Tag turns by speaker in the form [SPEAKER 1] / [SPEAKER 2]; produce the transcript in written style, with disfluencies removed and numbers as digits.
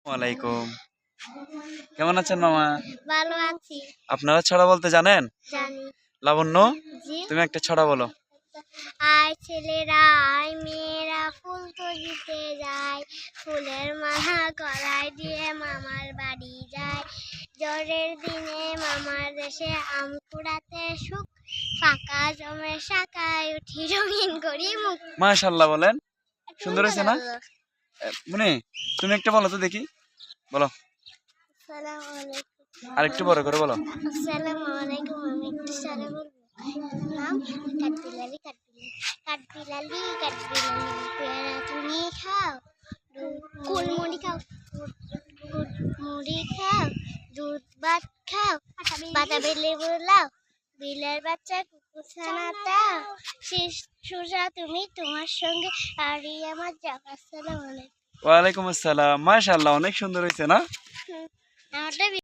[SPEAKER 1] ওয়ালাইকুম। কেমন আছেন মামা?
[SPEAKER 2] ভালো আছি।
[SPEAKER 1] আপনারা ছড়া বলতে জানেন?
[SPEAKER 2] জানি।
[SPEAKER 1] লাবণ্য,
[SPEAKER 2] জি।
[SPEAKER 1] তুমি একটা ছড়া বলো।
[SPEAKER 2] আয় ছেলেরা আয় মেয়েরা ফুল তুলিতে যায়, ফুলের মালা গলায় দিয়ে মামার বাড়ি যায়। জ্বরের দিনে মামার দেশে আম কুড়াতে সুখ, ফাঁকা জমে শাখায় উঠি রঙিন করি মুখ।
[SPEAKER 1] মাশাআল্লাহ বলেন। সুন্দর
[SPEAKER 2] তুমি
[SPEAKER 1] হয়েছে না?
[SPEAKER 2] বলো।
[SPEAKER 1] মুনি, তুমি একটা বলো তো দেখি। বলো।
[SPEAKER 2] আসসালামু আলাইকুম।
[SPEAKER 1] আর একটু বড় করে বলো।
[SPEAKER 2] আসসালামু আলাইকুম। আমি একটু সারা বলবো। নাম কাঠবিলালি কাঠবিলালি পেয়ারা তুমি খাও, কুলমুড়ি খাও, মুড়ি খাও, দুধ ভাত খাও, বাতাবি লেবু লাও, বিলের বাচ্চা কুকুরছানা দাও, শিশুরা তুমি তোমার সঙ্গে আরই আমার যাও। আসসালামু আলাইকুম।
[SPEAKER 1] ওয়ালাইকুম আসসালাম। মাশাআল্লাহ, অনেক সুন্দর হয়েছে না?
[SPEAKER 2] আমারটা